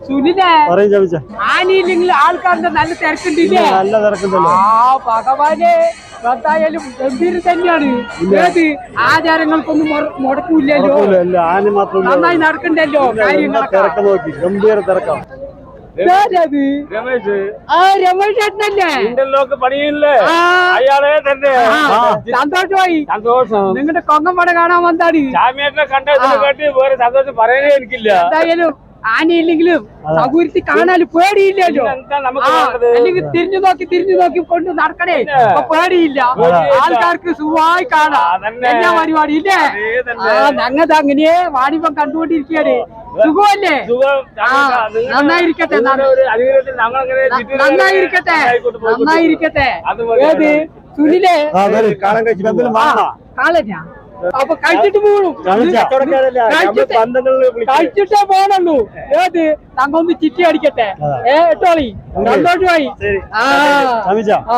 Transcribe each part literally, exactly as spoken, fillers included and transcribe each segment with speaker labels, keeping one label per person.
Speaker 1: സുനിലെ ആനയില്ലെങ്കിൽ ആൾക്കാരുടെ നല്ല തിരക്കുണ്ടില്ലേ?
Speaker 2: നല്ല തിരക്കുണ്ടല്ലോ.
Speaker 1: ആ ഭഗവാനെ, എന്തായാലും ഗംഭീരം തന്നെയാണ്. ഏത് ആചാരങ്ങൾക്കൊന്നും മുടക്കൂല്ലല്ലോ, നന്നായി നടക്കണ്ടല്ലോ കാര്യങ്ങളൊക്കെ.
Speaker 2: ഗംഭീര തിരക്കാണ്.
Speaker 1: സന്തോഷമായി. നിങ്ങളുടെ കൊങ്ങമ്പട കാണാൻ വന്നാണ്.
Speaker 3: സന്തോഷം പറയാനേ എനിക്കില്ല.
Speaker 1: എന്തായാലും ആനയില്ലെങ്കിലും സൗകര്യത്തിൽ കാണാനും പേടിയില്ലല്ലോ. അല്ലെങ്കിൽ തിരിഞ്ഞു നോക്കി തിരിഞ്ഞു നോക്കി കൊണ്ട് നടക്കണേ, പേടിയില്ല. ആൾക്കാർക്ക് സുഖമായി കാണാം. എന്നാ പരിപാടി ഇല്ലേ? ആ ഞങ്ങത് അങ്ങനെയേ വാണിപ്പം കണ്ടുകൊണ്ടിരിക്കുകയാണ്. സുഖമല്ലേ? നന്നായിരിക്കട്ടെ, നന്നായിരിക്കട്ടെ, നന്നായിരിക്കട്ടെ. ഏത് സുനിലെ കാളഞ്ഞ അപ്പൊ കഴിച്ചിട്ട് പോകണം, കഴിച്ചിട്ടേ പോകണുള്ളൂ. ഏത് ഞങ്ങൾ ഒന്ന് ചിറ്റി അടിക്കട്ടെ. ഏ എട്ടോളി സന്തോഷമായി. ആ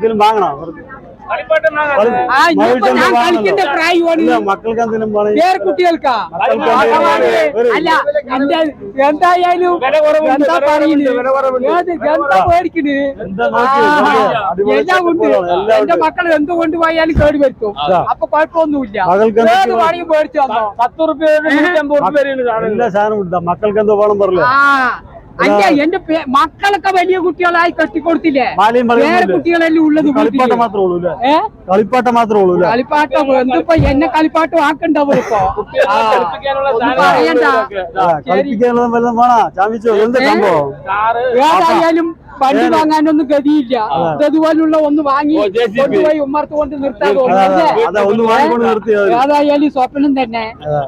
Speaker 1: ഞാൻ കളിക്കേണ്ട പ്രായമാണ് വേറെ കുട്ടികൾക്കാ. അല്ല എന്തായാലും എന്താ പറയുന്നത്, എന്താ പേടിക്കണ്, എല്ലാം ഉണ്ട്. എന്റെ മക്കൾ എന്ത് കൊണ്ടുപോയാലും കേടി വരുത്തും. അപ്പൊ കുഴപ്പമൊന്നുമില്ല. ഏത് പണിയും പേടിച്ചു വന്നോ. പത്ത് റുപ്യ
Speaker 2: മക്കൾക്ക് എന്തോ വേണം പറഞ്ഞു.
Speaker 1: ആ അല്ല, എന്റെ മക്കളൊക്കെ വലിയ കുട്ടികളായി കെട്ടിക്കൊടുത്തില്ലേ? വേറെ കുട്ടികളെല്ലാം ഉള്ളത്
Speaker 2: കളിപ്പാട്ടം മാത്രമേ ഉള്ളൂ. കളിപ്പാട്ടം മാത്രമേ ഉള്ളൂ.
Speaker 1: കളിപ്പാട്ടം എന്തിപ്പോ എന്നെ കളിപ്പാട്ടം ആക്കണ്ടാവും. ഇപ്പൊ പറയണ്ട. ഏതായാലും വണ്ടി വാങ്ങാനൊന്നും ഗതിയില്ല. അതുപോലുള്ള ഒന്ന് വാങ്ങി കൊണ്ടുപോയി ഉമ്മർത്ത് കൊണ്ട് നിർത്താൻ തോന്നുന്നു. ഏതായാലും സ്വപ്നം തന്നെ.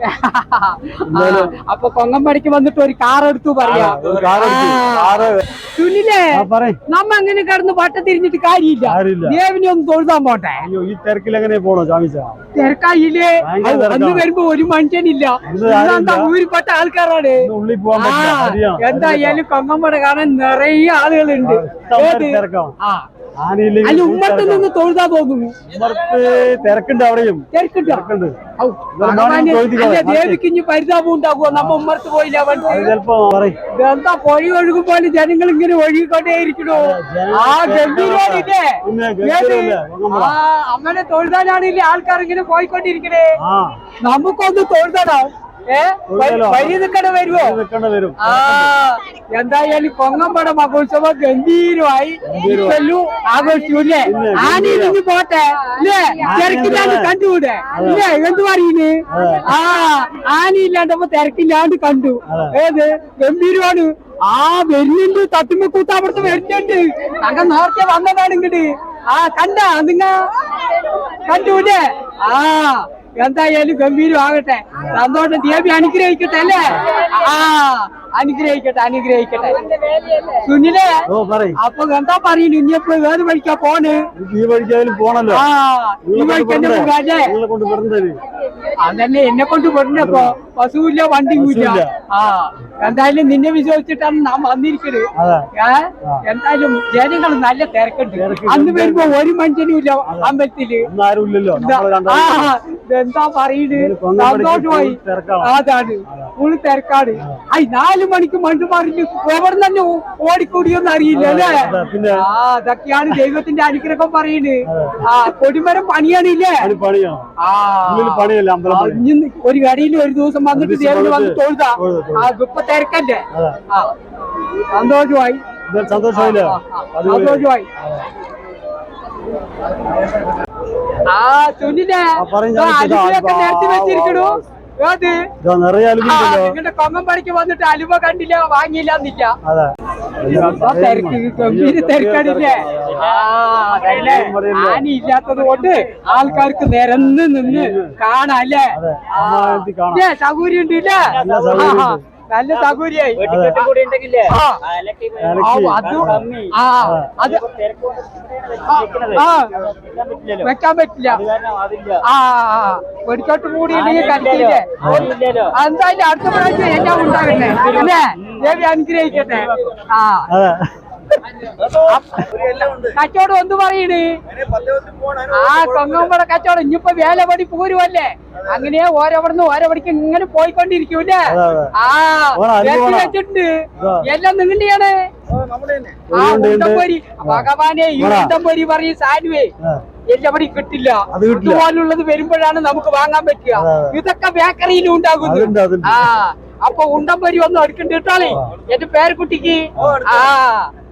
Speaker 1: അപ്പൊ കൊങ്ങമ്പടിക്ക് വന്നിട്ട് ഒരു കാർ എടുത്തു പറയാ. സുനിലേ, നമ്മ അങ്ങനെ കിടന്ന് പട്ട തിരിഞ്ഞിട്ട് കാര്യമില്ല. ദേവിനെ ഒന്ന് തൊഴുതാൻ പോട്ടെ.
Speaker 2: ഈ തിരക്കിൽ എങ്ങനെ പോണോ?
Speaker 1: തിരക്കായില്ലേ? അന്ന് വരുമ്പോ ഒരു മനുഷ്യനില്ല. ഊരിപ്പെട്ട ആൾക്കാരാണ്. എന്തായാലും കൊങ്ങമ്പട കാണാൻ നിറയെ ആളുകളുണ്ട്. അല്ല ഉമ്മർത്ത് നിന്ന് തൊഴുതാ തോന്നുന്നു.
Speaker 2: തിരക്കുണ്ട്, അവിടെയും
Speaker 1: തിരക്കുണ്ട്. ദേവിക്ക് ഇനി പരിതാപം ഉണ്ടാകുമോ നമ്മ ഉമ്മർത്ത് പോയില്ല? എന്താ പൊഴി ഒഴുകും പോലെ ജനങ്ങൾ ഇങ്ങനെ ഒഴുകിക്കൊണ്ടേയിരിക്കണോ? ആ ഗംഭീരല്ലേ? ആ അങ്ങനെ തൊഴുതാനാണില്ലേ ആൾക്കാർ ഇങ്ങനെ പോയിക്കൊണ്ടിരിക്കണേ. നമുക്കൊന്ന് തൊഴുതാണോ? ഏ വഴി നിൽക്കണ വരുമോ? ആ എന്തായാലും കൊങ്ങമ്പട മഹോത്സവം ഗംഭീരമായി ആഘോഷിക്കൂല്ലേ? ആനയിലിഞ്ഞ് പോട്ടെ അല്ലേ? തിരക്കില്ലാണ്ട് കണ്ടുകൂടെ ഇല്ലേ? എന്ത് പറയുന്നു? ആ ആനയില്ലാണ്ടപ്പോ തിരക്കില്ലാണ്ട് കണ്ടു. ഏത് ഗംഭീരമാണ്. ആ വരുന്നുണ്ട്, തത്തുമ്പോ കൂത്ത അവിടുത്തെ വരുന്നുണ്ട്. അങ്ങ നേരത്തെ വന്നതാണ് ഇങ്ങോട്ട്. ആ കണ്ട നിങ്ങ കണ്ടൂല്ലേ? ആ എന്തായാലും ഗംഭീരമാകട്ടെ. സന്തോഷം. ദേവി അനുഗ്രഹിക്കട്ടെ അല്ലേ? ആ അനുഗ്രഹിക്കട്ടെ, അനുഗ്രഹിക്കട്ടെ. സുനിലെ, അപ്പൊ എന്താ പറയുന്നു? ഇനിയപ്പോ ഏത് വഴിക്കാ പോണ്?
Speaker 2: ഈ വഴിക്കായാലും പോണല്ലോ.
Speaker 1: ആ ഈ വഴിക്കല്ലേ പോകാല്ലേ? അതന്നെ എന്നെ കൊണ്ട് പെടുന്നപ്പോ ബസ്സുമില്ല, വണ്ടിയുമില്ല. ആ എന്തായാലും നിന്നെ വിശ്വസിച്ചിട്ടാണ് നാം വന്നിരിക്കുന്നത്. എന്തായാലും ജനങ്ങൾ നല്ല തിരക്കുണ്ട്. അന്ന് വരുമ്പോ ഒരു മനുഷ്യനും ഇല്ല അമ്പലത്തില്. എന്താ പറയുന്നത്? സന്തോഷമായി. അതാണ് ഫുള്ള് തിരക്കാണ്. ഐ നാല് മണിക്ക് മണ്ടു മറിഞ്ഞ് എവിടെ തന്നെ ഓടിക്കൂടിയൊന്നും അറിയില്ല അല്ലേ? ആ അതൊക്കെയാണ് ദൈവത്തിന്റെ അനുഗ്രഹം പറയുന്നത്. ആ കൊടിമരം പണിയാണില്ലേ? ആ ഒരു കടയിൽ ഒരു ദിവസം വന്നിട്ട് ദേവന് വന്ന് തൊഴുതാ. ആ ഇപ്പൊ തിരക്കല്ലേ? ആ സന്തോഷമായി,
Speaker 2: സന്തോഷമായില്ലേ?
Speaker 1: സന്തോഷമായി. ആ സുനിലെ അലുവയൊക്കെ നിരത്തി വെച്ചിരിക്കണു. നിങ്ങളുടെ കൊങ്ങമ്പടിക്ക് വന്നിട്ട് അലുവ കണ്ടില്ല, വാങ്ങിയില്ല. തിരക്ക് ഗംഭീര തിരക്കടില്ലേ? ആ അതല്ലേ, ആന ഇല്ലാത്തത് കൊണ്ട് ആൾക്കാർക്ക് നിരന്ന് നിന്ന് കാണാം അല്ലേ? സൗകര്യം ഉണ്ട് ഇല്ലേ? നല്ല സൗകര്യായി. വെക്കാൻ പറ്റില്ല. ആ വെടിക്കോട്ട് കൂടി കളിക്കില്ലേ? എന്തായാലും അടുത്ത പ്രാവശ്യം എല്ലാം ഉണ്ടാകട്ടെ അല്ലേ? ദേവി അനുഗ്രഹിക്കട്ടെ. ആ കച്ചവടം എന്ത് പറയണ് ആ കൊങ്ങമ്പട കച്ചവടം ഇനിയിപ്പോ വേലപടി പോരുവല്ലേ അങ്ങനെ ഓരോവിടുന്ന് ഓരോപടിക്ക് ഇങ്ങനെ പോയിക്കൊണ്ടിരിക്കൂല്ലേ ആ വെച്ചിട്ടുണ്ട് എല്ലാം നിങ്ങളുടെയാണ് ആ ഉണ്ടംപൊരി ഭഗവാനെ ഈ ഉണ്ടംപൊരി പറയും സാനുവേ എല്ലാപടി കിട്ടില്ല ഇതുപോലുള്ളത് വരുമ്പോഴാണ് നമുക്ക് വാങ്ങാൻ പറ്റുക ഇതൊക്കെ ബേക്കറിയിലും ഉണ്ടാകുന്നു ആ അപ്പൊ ഉണ്ടംപൊരി ഒന്നും എടുക്കണ്ടിട്ടാളേ എന്റെ പേരക്കുട്ടിക്ക് ആ